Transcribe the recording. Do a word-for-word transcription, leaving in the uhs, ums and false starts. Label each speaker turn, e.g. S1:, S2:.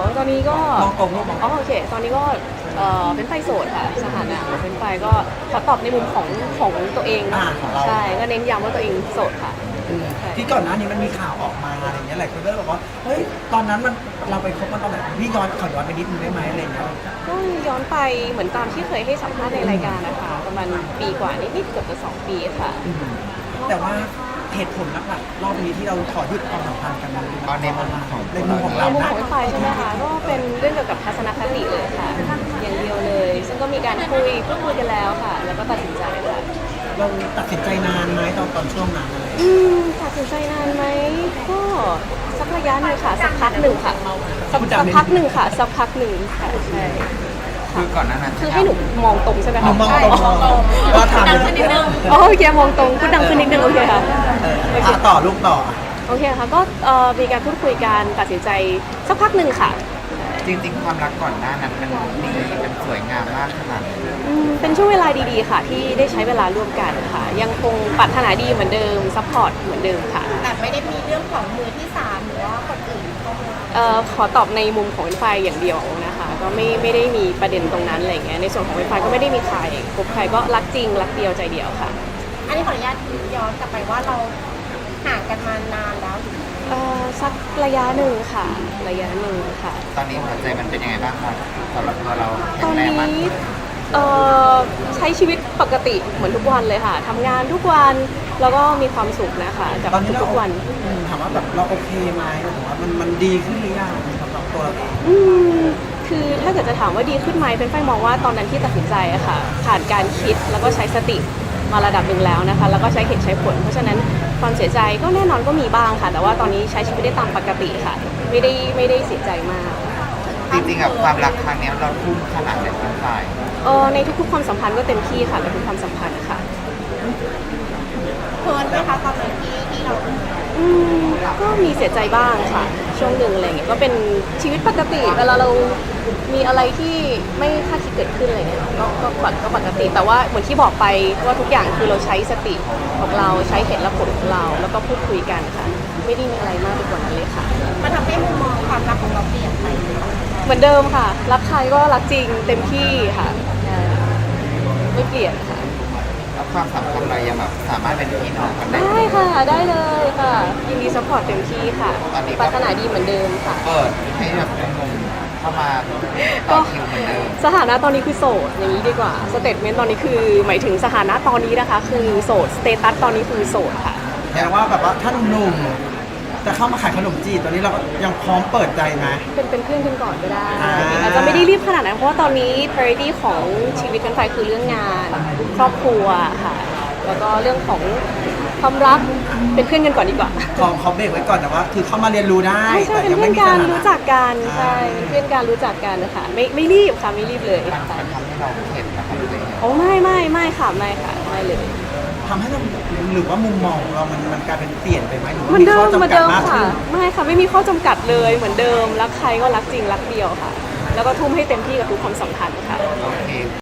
S1: ตอนนี้ก็
S2: มองตรงลูกมอง
S1: อ๋อโอเคตอนนี้ก็เออเป็นไฟโสดค่ะสถานะเป็นไฟก็ขอตอบในมุมของของตัวเอง
S2: อ่าของเรา
S1: ใช่ก็เน้นย้ำว่าตัวเองโสดค่ะ
S2: อืมที่ก่อนหน้านี้มันมีข่าวออกมาอะไรเงี้ยหลายคนก็เลยบอกว่าเฮ้ยตอนนั้นมันเราไปคบมันตอนไหนพี่ย้อนขอย้อนไปนิดนึงได้ไหมอะไรเงี้ย
S1: ก็ย้อนไปเหมือนตามที่เคยให้สัมภาษณ์ในรายการนะคะประมาณปีกว่านิดๆเกือบจะสองปีค่ะ
S2: อืมแต่ว่าเหตุผลหลักๆรอบนี้ที่เราขอหยุดความสัมพันธ์กันมัน
S3: เอาในมุมของ
S2: ในมุมของ
S1: ใน
S2: เรา
S1: มุม
S2: นะ
S1: ของไฟใช่ไหมคะก็เป็นเรื่องเกี่ยวกับทัศนคติเลยค่ะอย่างเดียวเลย ซึ่งก็มีการคุยพูดคุยกันแล้วค่ะ แล้วก็ตัดสินใจค่ะ
S2: เราตัดสินใจนานไหมตอนตอนช่วงนั้นอะไร
S1: อืมตัดสินใจนานไหมก็สักระยะหนึ่งค่ะสักพักหนึ่งค่ะสักสักพักหนึ่งค่ะสักพักหนึ่งค่ะใช่
S3: คือก่อนหน้านั้น
S1: คือให้หนูมองตรงใช่ไหม
S2: มอ
S1: คะ
S2: งมองตรงเราถามเลย
S1: อ๋อโอเคมองตรงพูดดังขึ้นนิดนึงโอเคค่ะ
S2: เอออ่ะต่อลูกต่อ
S1: โอเคค่ะก็เอ่อมีการพูดคุยกันตัดสินใจสักพักหนึ่งค่ะ
S3: จริงๆ ความรักก่อนหน้านั้นมันดีมันสวยงามมากขนาดไหน
S1: อืมเป็นช่วงเวลาดีๆค่ะ ที่ได้ใช้เวลาร่วมกันค่ะ ยังคงปรารถนาดีเหมือนเดิมซัพพอร์ตเหมือนเดิมค่ะ
S4: แต่ไม่ได้มีเรื่องของมือที่สามหรือว่าคนอื่นเข้ามา
S1: เอ่อขอตอบในมุมของไฟอย่างเดียวนะคะก็ไม่ไม่ได้มีประเด็นตรงนั้นอะไรเงี้ยในส่วนของไฟก็ไม่ได้มีใครคบใครก็รักจริงรักเดียวใจเดียวค่ะ
S4: อันนี้ขออนุญาตย้อนกลับไปว่าเราห่างกันมานานแล้ว
S1: เอ่อสักระยะหนึ่งค่ะระยะหนึ่งค่ะ
S3: ตอนนี้หัวใจมันเป็นยังไงบ้างครับสำหรับตัวเราแข็
S1: ตอง น
S3: แรง
S1: นี้
S3: มากขึ้น
S1: เอ่อใช้ชีวิตปกติเหมือนทุกวันเลยค่ะทำงานทุกวันแล้วก็มีความสุขนะคะกับ
S2: ตอนนี้เรา
S1: ทุกๆวัน
S2: อืมถามว่าแบบเราโอเคไหมหรือว่ามันมันดีขึ้นหรือยังสำหรับตัวเราเอง
S1: อืมคือถ้าเกิดจะถามว่าดีขึ้นไหมเป็นไฟมองว่าตอนนั้นที่ตัดสินใจอะค่ะผ่านการคิดแล้วก็ใช้สติมาระดับหนึ่งแล้วนะคะแล้วก็ใช้เหตุใช้ผล เพราะฉะนั้นความเสียใจก็แน่นอนก็มีบ้างค่ะ แต่ว่าตอนนี้ใช้ชีวิตได้ตามปกติค่ะ ไม่ได้ไม่ได้เสียใจมาก
S3: จริงๆกับความรักครั้งเนี้ยเราทุ่มขนาดไหนเป็นฝ่าย
S1: เออในทุกๆความสัมพันธ์ก็เต็มที่ค่ะกับทุกความสัมพันธ์ค่ะ
S4: เพลินไหมคะตอนนั้นที่ที่เรา
S1: อืมก็มีเสียใจบ้างค่ะ ช่วงหนึ่งอะไรเงี้ยก็เป็นชีวิตปกติเวลาเรามีอะไรที่ไม่คาดคิดเกิดขึ้นอะไรเงี้ยก็ก็ปกก็ปกติ แต่ว่าเหมือนที่บอกไปว่าทุกอย่างคือเราใช้สติของเราใช้เหตุและผลของเรา แล้วก็พูดคุยกันค่ะ ไม่ได้มีอะไรมากไปกว่านั้นเลยค่ะ
S4: มันทำให้มุมมองความรักของเราเปลี่ยนไป
S1: เหมือนเดิมค่ะ รักใครก็รักจริงเต็มที่ค่ะใช่ไม่เปลี่ยนค่ะ
S3: แล้วความสัมพันธ์เรายังแบบสามารถเป็นพี่น้องกันได้
S1: ได้ค่ะได้เลยค่ะยินดีซัพพอร์ตเต็มที่ค่ะ
S3: ตอนนี้ก็
S1: ปรารถนาดีเหมือนเดิมค่ะ
S3: เปิดให้แบบงงเข้ามาต่อคิวเหมือนเดิม
S1: สถานะตอนนี้คือโสดอย่างนี้ดีกว่าสเตทเมนต์ตอนนี้คือหมายถึงสถานะตอนนี้นะคะ คือโสดสเตตัสตอนนี้คือโสดค่ะ
S2: แปลว่าแบบว่าถ้าหนุ่มๆจะเข้ามาขายขนมจีบตอนนี้เราก็ยังพร้อมเปิดใจไหม
S1: เป็นเป็นเพื่อนกันก่อนก็ได้
S2: อ่า
S1: อาจจะไม่ได้รีบขนาดนั้นเพราะว่าตอนนี้ priority ของชีวิตกันไฟคือเรื่องงานครอบครัวค่ะ แล้วก็เรื่องของความรักเป็นเพื่อนกันก่อนดีกว่า
S2: ขอขอเบรกไว้ก่อนแต่ว่าคือเข้ามาเรียนรู้ได้
S1: ใช่ใช่
S2: แต่
S1: เป็น
S2: ยัง
S1: เพื่
S2: ไม่
S1: อน
S2: มี
S1: กั
S2: ส
S1: น
S2: ถานะ
S1: รู้จักกัน
S2: อ่า
S1: ใช่เป็นเพื่อนกันรู้จักกันนะคะไม่ไม่รีบค่ะไม่รีบเลย
S3: มันมันทำให้เราเข็ดนะครับตัวเอง
S1: โอ้ไม่ไม่ไม่ค่ะไม่ค่ะไม่เลย
S2: ทำให้เราหรือว่ามุมมองของเรามันมันกลายเป็นเปลี่ยนไปไหมหรือว่า
S1: เหมือนเดิ
S2: ข้อ
S1: มเหมือน
S2: จำกัด
S1: เดิม
S2: มาก
S1: ค่ะ
S2: ขึ้น
S1: ไม่ค่ะไม่มีข้อจำกัดเลยเหมือนเดิมรักใครก็รักจริงรักเดียวค่ะ แล้วก็ทุ่มให้เต็มที่กับทุกความสัมพันธ์ค่ะ
S3: โอเค